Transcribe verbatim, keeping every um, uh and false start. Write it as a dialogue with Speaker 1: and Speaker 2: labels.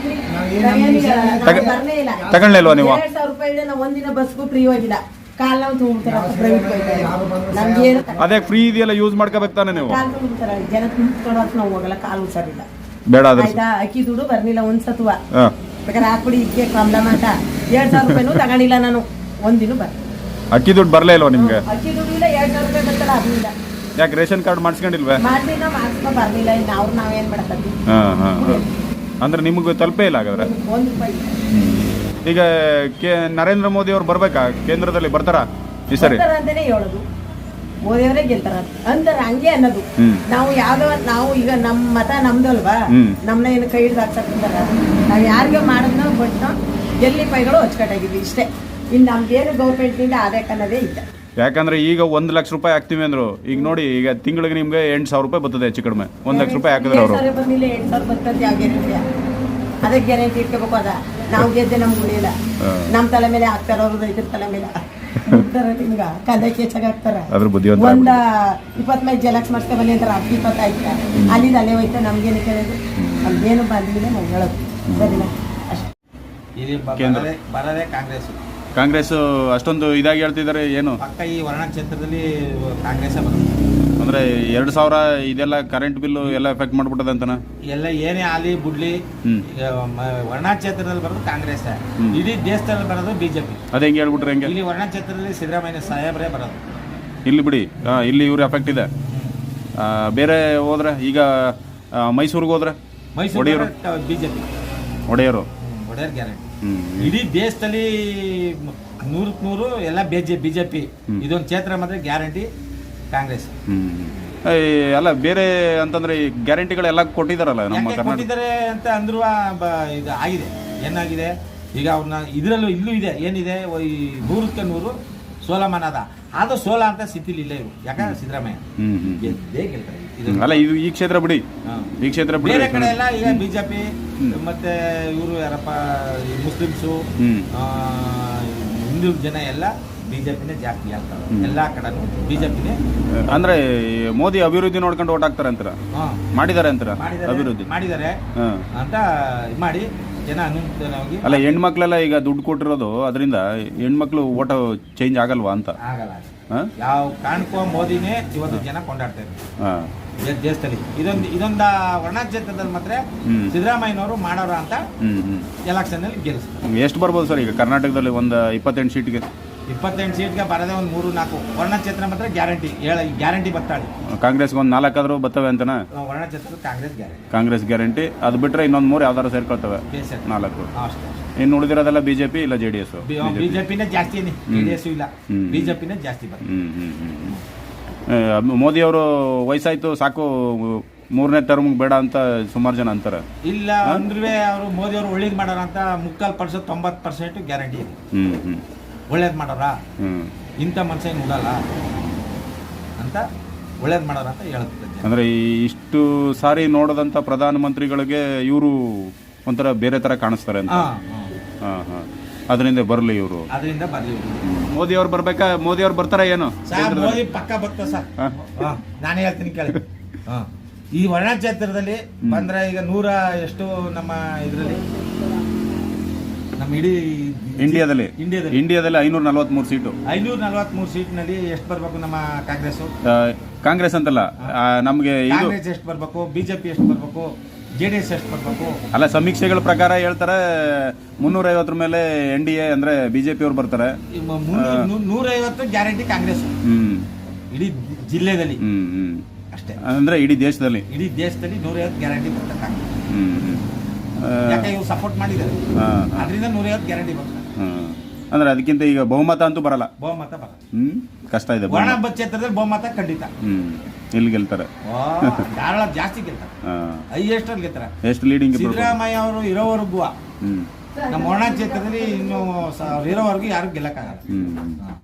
Speaker 1: ತಗೊಳ್ಳಿಲ್ವಾ ನೀವು?
Speaker 2: ಎರಡ್ ಸಾವಿರ ರೂಪಾಯಿ ನಾವು ಒಂದಿನ ಬಸ್ಗೂ ಫ್ರೀ ಹೋಗಿಲ್ಲ. ಕಾಲ್ ನಾವು ತುಂಬ್ತಾರೆ ಪ್ರೈವೇಟ್ ನಮ್ಗೆ
Speaker 1: ಅದೇ ಫ್ರೀ ಇದೆಯಲ್ಲ, ಯೂಸ್ ಮಾಡ್ಕೋಬೇಕು ತಾನೆ ನೀವು.
Speaker 2: ಕಾಲ್ ತುಂಬ್ತಾರೆ ಜನ ತುಂಬಿಸ್ಕೊಳಕ್ ನಾವು ಹೋಗಲ್ಲ, ಕಾಲು ಹುಷಾರಿಲ್ಲ.
Speaker 1: ಬೇಡ ಅದ್ರ
Speaker 2: ಆಯ್ತಾ, ಅಕ್ಕಿ ದುಡ್ಡು ಬರ್ಲಿಲ್ಲ ಒಂದ್ಸತ್ವ ಬೇಕಾದ್ರೆ ಹಾಕ್ಬಿಡಿ ಇದಕ್ಕೆ ಪ್ರಾಬ್ಲಮ್ ಅಂತ ಎರಡ್ ಸಾವಿರ ರೂಪಾಯಿನೂ ತಗೊಂಡಿಲ್ಲ ನಾನು ಒಂದಿನ ಬರ್.
Speaker 1: ಅಕ್ಕಿ ದುಡ್ಡು ಬರಲೇ ಇಲ್ವಾ ನಿಮ್ಗೆ?
Speaker 2: ಅಕ್ಕಿ ದುಡ್ಡು ಇಲ್ಲ, ಎರಡ್ ಸಾವಿರ ರೂಪಾಯಿ ಬರ್ತಲ್ಲ ಆಗ್ಲಿಲ್ಲ.
Speaker 1: ಯಾಕೆ ರೇಷನ್ ಕಾರ್ಡ್ ಮಾಡಿಸ್ಕೊಂಡಿಲ್ವೇ?
Speaker 2: ಮಾಡ್ಲಿಲ್ಲ, ಮಾಡಿಸ್ಕೊ ಬರ್ಲಿಲ್ಲ. ಇನ್ನು ಅವ್ರು ನಾವೇನ್ ಮಾಡತ್ತೀವಿ.
Speaker 1: ಹಾ ಹಾ ಅಂದ್ರೆ ನಿಮ್ಗೆ ತಲುಪೇ ಇಲ್ಲ ಹಾಗಾದ್ರೆ.
Speaker 2: ಒಂದ್ ರೂಪಾಯಿ
Speaker 1: ಈಗ ಕೆ ನರೇಂದ್ರ ಮೋದಿ ಅವ್ರು ಬರ್ಬೇಕಾ ಕೇಂದ್ರದಲ್ಲಿ? ಬರ್ತಾರ ಈ ಸರಿ
Speaker 2: ಅಂತಾನೆ ಹೇಳೋದು, ಮೋದಿಯವರೇ ಗೆಲ್ತಾರ ಅಂತಾರ, ಹಂಗೆ ಅನ್ನೋದು. ನಾವು ಯಾವ್ದೋ ನಾವು ಈಗ ನಮ್ ಮತ ನಮ್ದಲ್ವಾ, ನಮ್ನ ಏನು ಕೈ ಹಿಡ್ದು ಹಾಕ್ಸಕ್ತಾರ. ನಾವ್ ಯಾರಿಗೆ ಮಾಡೋದ್ನ ಬಟ್ ಗೆಲ್ಲಿ ಪೈಗಳು ಅಚ್ಚುಕಟ್ಟಾಗಿದ್ವಿ ಇಷ್ಟೇ. ಇನ್ನು ನಮ್ಗೇನು ಗೌರ್ಮೆಂಟ್ ನಿಂದ ಆದಾಯ ಅನ್ನೋದೇ ಇಲ್ಲ.
Speaker 1: ಯಾಕಂದ್ರೆ ಈಗ ಒಂದ್ ಲಕ್ಷ ರೂಪಾಯಿ ಹಾಕ್ತಿವಿ ಅಂದ್ರು, ಈಗ ನೋಡಿ ಈಗ ತಿಂಗಳಿಗೆ ನಿಮ್ಗೆ ಎಂಟು ಸಾವಿರ ರೂಪಾಯಿ ಬರ್ತದೆ ಹೆಚ್ಚು ಕಡಿಮೆ. ಒಂದ್ ಲಕ್ಷ ರೂಪಾಯಿ ಹಾಕಿದ್ರೆ ಅವರು
Speaker 2: ಬಂದಿಲ್ಲ, ಎಂಟು ಸಾವಿರ ಬರ್ತದೆ. ಯಾವ ಗ್ಯಾರಂಟಿ? ಅದಕ್ಕೆ ಗ್ಯಾರಂಟಿ ಇಟ್ಕೋಬೇಕು. ಅದ ನಾವು ಗೆದ್ದೆ ನಮ್ಗೆ ಉಳಿಯಿಲ್ಲ. ನಮ್ ತಲೆ ಮೇಲೆ ಹಾಕ್ತಾರ, ಅವ್ರು ರೈತರ ತಲೆ ಮೇಲೆ ನಿಮ್ಗ ಕಂದಾಯ ಹೆಚ್ಚಾಗ ಹಾಕ್ತಾರ. ಒಂದ ಇಪ್ಪತ್ತೈದು ಜಲಕ್ಷ ಮಾಡ್ಸ್ಕೊ ಬನ್ನಿ ಅಂತಾರ, ಹತ್ತು ಇಪ್ಪತ್ತಾಯ್ತ ಅಲ್ಲಿಂದ ಅಲ್ಲೇ ಹೋಯ್ತಾ. ನಮ್ಗೇನು ಕೇಳೋದು? ನಮ್ಗೇನು ಬಂದಿಲ್ಲ, ನಾವು ಹೇಳೋದು ಸರಿನಾ
Speaker 3: ಅಷ್ಟೇ. ಬರದೇ ಕಾಂಗ್ರೆಸ್
Speaker 1: ಕಾಂಗ್ರೆಸ್ ಅಷ್ಟೊಂದು ಇದಾಗಿ ಹೇಳ್ತಿದ್ದಾರೆ. ಏನು
Speaker 3: ಪಕ್ಕ ಈ ವರ್ಣ ಕ್ಷೇತ್ರದಲ್ಲಿ ಕಾಂಗ್ರೆಸ್ ಬರುತ್ತೆ
Speaker 1: ಅಂದ್ರೆ ಎರಡ್ ಸಾವಿರ ಇದೆಲ್ಲ ಕರೆಂಟ್ ಬಿಲ್ ಎಲ್ಲ ಎಫೆಕ್ಟ್ ಮಾಡ್ಬಿಟ್ಟದ ಅಂತನ.
Speaker 3: ಎಲ್ಲ ಏನೇ ಆಲಿ ಬುಡ್ಲಿ ವರ್ಣ ಕ್ಷೇತ್ರದಲ್ಲಿ ಬರೋದು ಕಾಂಗ್ರೆಸ್, ಇಡೀ ದೇಶದಲ್ಲಿ ಬರೋದು ಬಿಜೆಪಿ.
Speaker 1: ಅದೇ ಹೆಂಗೆ ಹೇಳ್ಬಿಟ್ರೆ ಹೆಂಗೆ?
Speaker 3: ಇಲ್ಲಿ ವರ್ಣ ಕ್ಷೇತ್ರದಲ್ಲಿ ಸಿದ್ದರಾಮಯ್ಯ ಸಾಹೇಬ್ರೇ ಬರೋದು.
Speaker 1: ಇಲ್ಲಿ ಬಿಡಿ, ಇಲ್ಲಿ ಇವ್ರ ಎಫೆಕ್ಟ್ ಇದೆ. ಬೇರೆ ಹೋದ್ರೆ ಈಗ ಮೈಸೂರಿಗೆ ಹೋದ್ರೆ
Speaker 3: ಮೈಸೂರು ಬಿಜೆಪಿ
Speaker 1: ಒಡೆಯರು
Speaker 3: ಒಡೆಯರ್ ಗ್ಯಾರಂಟಿ. ಇಡೀ ದೇಶದಲ್ಲಿ ನೂರಕ್ಕೆ ನೂರು ಎಲ್ಲ ಬಿಜೆಪಿ. ಇದೊಂದು ಕ್ಷೇತ್ರ ಮಾತ್ರ ಗ್ಯಾರಂಟಿ ಕಾಂಗ್ರೆಸ್.
Speaker 1: ಅಲ್ಲ ಬೇರೆ ಅಂತಂದ್ರೆ ಗ್ಯಾರಂಟಿಗಳೆಲ್ಲ ಕೊಟ್ಟಿದಾರಲ್ಲ ನಮ್ಮ
Speaker 3: ಕೊಟ್ಟಿದ್ದಾರೆ ಅಂತ ಅಂದ್ರು ಇದು ಆಗಿದೆ. ಏನಾಗಿದೆ ಈಗ ಅವ್ರನ್ನ ಇದ್ರಲ್ಲೂ ಇಲ್ಲೂ ಇದೆ. ಏನಿದೆ ಈ ನೂರಕ್ಕೆ ನೂರು ಸೋಲಮಾನ ಅದ, ಆದ್ರೂ ಸೋಲ ಅಂತ ಸ್ಥಿತಿಲಿ ಇಲ್ಲ ಇವರು. ಯಾಕಂದ್ರೆ ಸಿದ್ದರಾಮಯ್ಯ ಗೆದ್ದೇ ಗೆಲ್ತಾರೆ.
Speaker 1: ಅಲ್ಲ ಇದು ಈ ಕ್ಷೇತ್ರ ಬಿಡಿ, ಈ ಕ್ಷೇತ್ರ ಬಿಡಿ.
Speaker 3: ಬೇರೆ ಕಡೆ ಎಲ್ಲ ಈಗ ಬಿಜೆಪಿ ಮತ್ತೆ ಇವರು ಯಾರಪ್ಪ ಮುಸ್ಲಿಮ್ಸು ಹಿಂದೂ ಜನ ಎಲ್ಲ ಬಿಜೆಪಿನೇ ಜಾಸ್ತಿ ಆಗ್ತಾರೆ. ಎಲ್ಲಾ ಕಡೆನೂ ಬಿಜೆಪಿನೇ.
Speaker 1: ಅಂದ್ರೆ ಮೋದಿ ಅಭಿವೃದ್ಧಿ ನೋಡ್ಕೊಂಡು ಓಟ್ ಹಾಕ್ತಾರೆ ಅಂತಾರ, ಮಾಡಿದ್ದಾರೆ ಅಂತಾರ. ಅಭಿವೃದ್ಧಿ
Speaker 3: ಮಾಡಿದ್ದಾರೆ ಅಂತ ಮಾಡಿ ಜನ ಅನುಕೂಲವಾಗಿ.
Speaker 1: ಅಲ್ಲ ಹೆಣ್ಮಕ್ಳೆಲ್ಲ ಈಗ ದುಡ್ಡು ಕೊಟ್ಟಿರೋದು, ಅದರಿಂದ ಹೆಣ್ಮಕ್ಳು ಓಟ ಚೇಂಜ್ ಆಗಲ್ವಾ ಅಂತ?
Speaker 3: ಆಗಲ್ಲ. ಯಾವ ಕಾರಣಕ್ಕೂ ಮೋದಿನೇ ಇವತ್ತು ಜನ ಕೊಂಡಾಡ್ತಾ ಇದ್ದಾರೆ ದೇಶದಲ್ಲಿ. ಇದೊಂದು ಇದೊಂದ ವರ್ಣ ಕ್ಷೇತ್ರದಲ್ಲಿ ಮಾತ್ರ ಸಿದ್ದರಾಮಯ್ಯನವರು ಮಾಡೋರ ಅಂತ ಎಲೆಕ್ಷನ್ ಅಲ್ಲಿ ಗೆಲ್ಲಿಸ್ತಾರೆ.
Speaker 1: ಎಷ್ಟು ಬರ್ಬೋದು ಸರ್ ಈಗ ಕರ್ನಾಟಕದಲ್ಲಿ? ಒಂದು ಇಪ್ಪತ್ತೆಂಟು ಸೀಟ್ಗೆ
Speaker 3: ಇಪ್ಪತ್ತೆಂಟು ಸೀಟ್ಗೆ ಬರದೆ ಒಂದು ಮೂರು ನಾಲ್ಕು. ವರ್ಣ ಕ್ಷೇತ್ರ ಮಾತ್ರ ಗ್ಯಾರಂಟಿ ಗ್ಯಾರಂಟಿ ಬರ್ತಾಳೆ.
Speaker 1: ಕಾಂಗ್ರೆಸ್ಗೆ ಒಂದು ನಾಲ್ಕಾದ್ರೂ ಬರ್ತವೆ ಅಂತನಾ?
Speaker 3: ವರ್ಣ ಕ್ಷೇತ್ರ ಕಾಂಗ್ರೆಸ್ ಗ್ಯಾರಂಟಿ.
Speaker 1: ಕಾಂಗ್ರೆಸ್ ಗ್ಯಾರಂಟಿ. ಅದು ಬಿಟ್ರೆ ಇನ್ನೊಂದು ಮೂರು ಯಾವ್ದಾರು ಸೇರ್ಕೊಳ್ತವೆ, ನಾಲ್ಕು. ಇನ್ನು ಉಳಿದಿರೋದೆಲ್ಲ ಬಿಜೆಪಿ ಇಲ್ಲ ಜೆ ಡಿ ಎಸ್.
Speaker 3: ಬಿಜೆಪಿನೇ ಜಾಸ್ತಿ, ಜೆ ಡಿ ಎಸ್ ಇಲ್ಲ, ಬಿಜೆಪಿನೇ ಜಾಸ್ತಿ ಬರ್ತದೆ.
Speaker 1: ಮೋದಿ ಅವರು ವಯಸ್ಸಾಯ್ತು ಸಾಕು, ಮೂರನೇ ಟರ್ಮ್ ಬೇಡ ಅಂತ ಸುಮಾರು ಜನ ಅಂತಾರೆ.
Speaker 3: ಇಲ್ಲ ಅಂದ್ರೆ ಅವರು ಮೋದಿ ಅವರು ಒಳ್ಳೇದು ಮಾಡೋರ ಅಂತ ಮುಕ್ಕಾಲ್ ಪರ್ಸೆಂಟ್ ತೊಂಬತ್ತು ಪರ್ಸೆಂಟ್ ಗ್ಯಾರಂಟಿ ಇದೆ. ಒಳ್ಳೇದು ಮಾಡೋರ ಇಂಥ ಮನುಷ್ಯ ಏನು ಉಡಲ್ಲ ಅಂತ ಒಳ್ಳೇದು ಮಾಡೋರ ಅಂತ ಹೇಳುತ್ತೆ.
Speaker 1: ಅಂದ್ರೆ ಇಷ್ಟು ಸಾರಿ ನೋಡದಂತ ಪ್ರಧಾನ ಮಂತ್ರಿಗಳಿಗೆ ಇವರು ಒಂಥರ ಬೇರೆ ತರ ಕಾಣಿಸ್ತಾರೆ ಅಂತ. ಅದರಿಂದ ಬರ್ಲಿ ಇವರು,
Speaker 3: ಅದರಿಂದ ಬರ್ಲಿ.
Speaker 1: ಮೋದಿ ಅವ್ರು ಬರ್ಬೇಕಾ? ಮೋದಿ ಅವ್ರು ಬರ್ತಾರ ಏನು?
Speaker 3: ಮೋದಿ ಪಕ್ಕ ಬರ್ತಾರೆ ಸರ್. ನಾನು ಹೇಳ್ತೀನಿ ಕೇಳಿ. ಈ ವರ್ಣ ಕ್ಷೇತ್ರದಲ್ಲಿ ಬಂದ್ರೆ ಈಗ ನೂರ ಎಷ್ಟು ನಮ್ಮ ಇದರಲ್ಲಿ ನಮ್ಮ ಇಡೀ
Speaker 1: ಇಂಡಿಯಾದಲ್ಲಿ ಇಂಡಿಯಾದಲ್ಲಿ ಐನೂರ ನಲ್ವತ್ಮೂರು ಸೀಟು.
Speaker 3: ಐನೂರ ನಲ್ವತ್ಮೂರು ಸೀಟ್ನಲ್ಲಿ ಎಷ್ಟು ಬರ್ಬೇಕು ನಮ್ಮ ಕಾಂಗ್ರೆಸ್?
Speaker 1: ಕಾಂಗ್ರೆಸ್ ಅಂತಲ್ಲ, ನಮ್ಗೆ
Speaker 3: ಕಾಂಗ್ರೆಸ್ ಎಷ್ಟು ಬರ್ಬೇಕು, ಬಿಜೆಪಿ ಎಷ್ಟು ಬರ್ಬೇಕು, ಜೆ ಡಿ ಎಸ್ ಎಷ್ಟು ಬರ್ಬೇಕು?
Speaker 1: ಅಲ್ಲ ಸಮೀಕ್ಷೆಗಳ ಪ್ರಕಾರ ಹೇಳ್ತಾರೆ ಮುನ್ನೂರ ಐವತ್ತರ ಮೇಲೆ ಎನ್ ಡಿ ಎ ಅಂದ್ರೆ ಬಿಜೆಪಿ ಅವ್ರು ಬರ್ತಾರೆ.
Speaker 3: ನೂರ ಐವತ್ತು ಗ್ಯಾರಂಟಿ ಕಾಂಗ್ರೆಸ್ ಇಡೀ ಜಿಲ್ಲೆದಲ್ಲಿ ಅಷ್ಟೇ.
Speaker 1: ಅಂದ್ರೆ ಇಡೀ ದೇಶದಲ್ಲಿ
Speaker 3: ಇಡೀ ದೇಶದಲ್ಲಿ ನೂರ ಐವತ್ತು ಗ್ಯಾರಂಟಿ ಬರ್ತಾರೆ ಕಾಂಗ್ರೆಸ್. ಯಾಕೆ ಇವ್ರು ಸಪೋರ್ಟ್ ಮಾಡಿದ್ದಾರೆ, ಅದರಿಂದ ನೂರ ಐವತ್ತು ಗ್ಯಾರಂಟಿ ಬರ್ತಾರೆ.
Speaker 1: ಅಂದ್ರೆ ಅದಕ್ಕಿಂತ ಈಗ ಬಹುಮತ ಅಂತೂ ಬರಲ್ಲ.
Speaker 3: ಬಹುಮತ ಬರಲ್ಲ,
Speaker 1: ಹ್ಮ್ ಕಷ್ಟ ಇದೆ.
Speaker 3: ವರ್ಣ ಕ್ಷೇತ್ರದಲ್ಲಿ ಬಹುಮತ ಖಂಡಿತ.
Speaker 1: ಹ್ಮ್ ಇಲ್ಲಿ ಗೆಲ್ತಾರೆ,
Speaker 3: ಧಾರಾಳ ಜಾಸ್ತಿ ಗೆಲ್ತಾರೆ, ಹೈಯೆಸ್ಟ್ ಅಲ್ಲಿ ಗೆಲ್ತಾರೆ.
Speaker 1: ಎಷ್ಟು ಲೀಡಿಂಗ್?
Speaker 3: ಸಿದ್ದರಾಮಯ್ಯ ಅವರು ಇರೋವರೆಗೂ ನಮ್ಮ ವರ್ಣ ಕ್ಷೇತ್ರದಲ್ಲಿ ಇನ್ನು ಇರೋವರೆಗೂ ಯಾರು ಗೆಲ್ಲಕ್ಕಾಗಲ್ಲ.